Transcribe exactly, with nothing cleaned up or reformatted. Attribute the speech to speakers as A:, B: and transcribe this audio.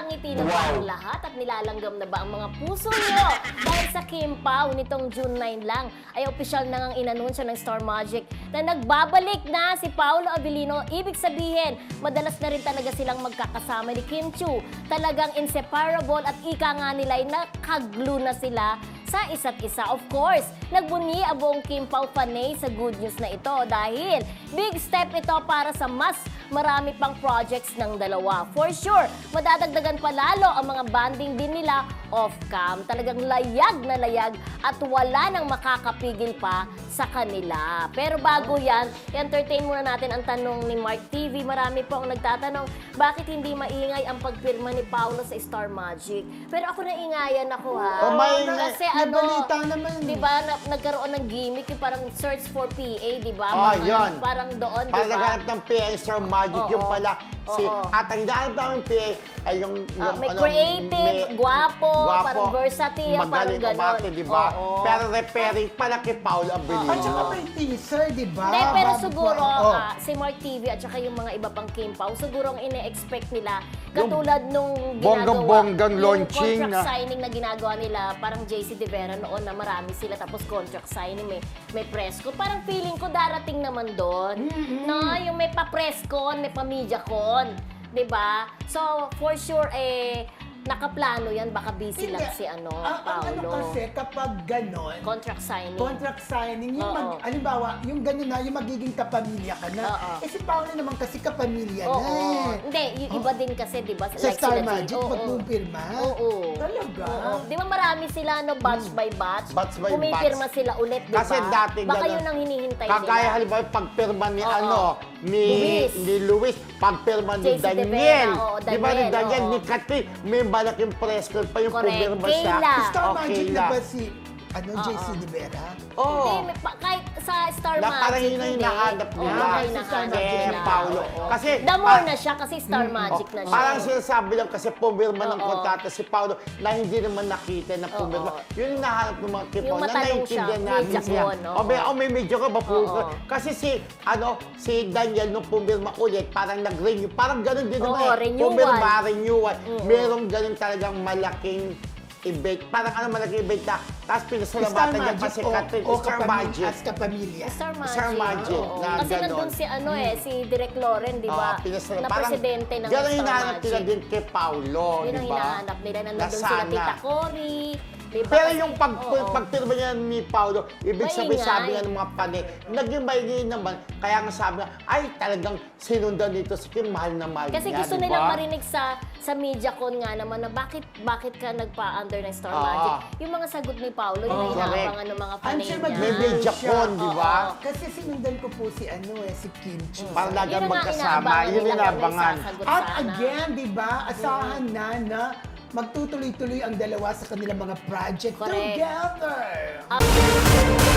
A: Napangiti na ba ang lahat at nilalanggam na ba ang mga puso nyo? Dahil sa Kim Pao nitong June nine lang ay opisyal na ngang inanunsyo ng Star Magic na nagbabalik na si Paolo Abilino. Ibig sabihin, madalas na rin talaga silang magkakasama ni Kim Chiu. Talagang inseparable at ika nga nila ay nakaglu na sila sa isa't isa. Of course, nagbunyi ang buong Kim Pao fanay sa good news na ito dahil big step ito para sa mas marami pang projects ng dalawa. For sure, madadagdagan pa lalo ang mga banding din nila off-cam. Talagang layag na layag at wala nang makakapigil pa sa kanila. Pero bago yan, entertain muna natin ang tanong ni Mark T V. Marami po ang nagtatanong, bakit hindi maingay ang pagpirma ni Paolo sa Star Magic? Pero ako naingayan ako ha.
B: Oh, may-
A: Kasi
B: may
A: ano,
B: balita naman.
A: di ba, na, nagkaroon ng gimmick, yung parang search for P A, di ba?
B: Oh,
A: Parang-
B: yun.
A: Parang doon, di
B: Para
A: ba?
B: naghanap ng P A Star Magic,
A: Oo.
B: yung pala si...
A: Oo.
B: At ang hinahanap namin P A ay yung...
A: Ah,
B: yung
A: may
B: ano,
A: creative,
B: may-
A: gwapo,
B: gwapo,
A: parang versatile, parang
B: magaling
A: ganon.
B: umarte, di ba?
A: Oo.
B: Pero repairing pala kay Paolo Abilino.
C: At saka may teaser, di ba?
A: Hindi, pero
C: Bago
A: siguro,
C: pa- oh.
A: ah, si Mark T V at saka yung mga iba pang Kim Pao, siguro ang ine-expect nila, katulad nung ginagawa,
B: bonggang-bonggang
A: yung
B: launching
A: contract
B: na-
A: signing na ginagawa nila, parang J C De Vera noon na marami sila, tapos contract signing, may, may press con. Parang feeling ko darating naman doon, no? Yung may pa-press con, may pa-media con, di ba? So, for sure, eh, nakaplano yan, baka busy lang si ano,
C: ang, ang ano
A: Paolo.
C: kasi, kapag ganon,
A: Contract signing.
C: contract signing, yung
A: Oo.
C: mag, alimbawa, yung gano'n na, yung magiging kapamilya ka na.
A: Oo.
C: Eh si Paolo naman kasi kapamilya
A: Oo.
C: na eh.
A: Hindi, yung iba din kasi, di ba?
C: Sa
A: like
C: Star
A: sila
C: Magic,
A: Jay- Oo.
C: magpumpirma?
A: Oo.
C: Talaga?
A: Oo. Di ba marami sila, no, batch by batch?
B: Batch by
A: Pumipirma
B: batch.
A: sila ulit, di ba?
B: Kasi dati
A: Baka
B: ganun.
A: yun ang hinihintay
B: Kagaya
A: nila.
B: halimbawa pagpirma ni
A: Oo.
B: ano, ni
A: Luis.
B: ni Luis, pagpirma ni
A: J C De Vera,
B: Daniel.
A: oo,
B: Di ba ni
A: Daniel,
B: Daniel,
A: oo.
B: ni Catherine, may malaking press con pa yung
A: Correct.
B: pumirma siya.
A: Kayla.
C: Star
B: Oh,
C: Magic
B: Kayla.
C: na ba si, ano, J C
A: Oo.
C: De Vera?
B: Oo.
A: Hindi, may pa- kahit sa Star
B: Na
A: Magic,
B: parang yun ang
A: hindi.
B: hinahanap
A: Oo,
B: nila.
A: yun ang
C: Kay
A: hinahanap
B: Kay
A: nila.
B: Paolo.
A: Oo.
B: Kasi,
A: The more
B: pa-
A: na siya, kasi Star Magic na siya.
B: Parang sinasabi lang kasi pumirma ng
A: Oo.
B: kontrata si Paolo na hindi naman nakita na pumirma.
A: Oo.
B: Yun yung nahanap ng mga kipo
A: Yung
B: na
A: matanong siya,
B: naiintindihan natin
A: medyo
B: siya.
A: ko, no?
B: O may, o may medyo ka ba pumirma?
A: Oo.
B: Kasi si, ano, si Daniel nung pumirma ulit, parang nag-renew. Parang ganun din
A: Oo,
B: naman eh.
A: renewal.
B: Pumirma, renewal.
A: Oo.
B: Merong ganun talagang malaking event. Parang ano malaking event na tapos
C: Star
B: pinasalamatan niya pa
C: Magic
B: si
C: o,
B: Catherine.
C: o
B: Star
C: kapamilya,
B: Magic.
C: as kapamilya.
A: Star Magic.
B: Star Magic,
A: Oo.
B: na
A: Kasi
B: ganon.
A: nandun si ano eh, si Direk Loren, di ba?
B: Ah, pinasala-
A: na
B: parang
A: presidente ng
B: ganun
A: Star
B: hinahanap
A: Magic.
B: nila din kay Paolo,
A: Yun
B: di
A: ang
B: ba?
A: hinahanap nila. Nandun
B: Na
A: sila
B: sana.
A: Tita Cory. Di ba?
B: Pero
A: Kasi-
B: yung pag,
A: oo.
B: pagpirma niya ni Paolo, ibig sabihin
A: Maingay.
B: sabi nga ng mga panay, naging maingay naman. Kaya nga sabi nga, ay talagang sinundan nito si Kim, mahal na mahal
A: Kasi
B: niya,
A: gusto
B: di ba?
A: nilang marinig sa sa MediaCon nga naman na bakit bakit ka nagpa-under ng Star
B: Oo.
A: Magic. Yung mga sagot ni Paolo, yung
C: Oo.
A: inaabangan ng mga
C: I'm
A: panay
C: sure
A: niya.
B: May
C: mag-
B: MediaCon, di ba?
A: Oo.
C: Kasi sinundan ko po si ano eh, si Kim Chiu.
B: Para lagi
A: Yun ang nga
B: magkasama,
A: inaabangan
B: yun
A: nila kung may
B: inaabangan.
A: sasagot
C: At
A: sana.
C: again, di ba, asahan na na magtutuloy-tuloy ang dalawa sa kanilang mga project
A: Correct.
C: together.
A: Up-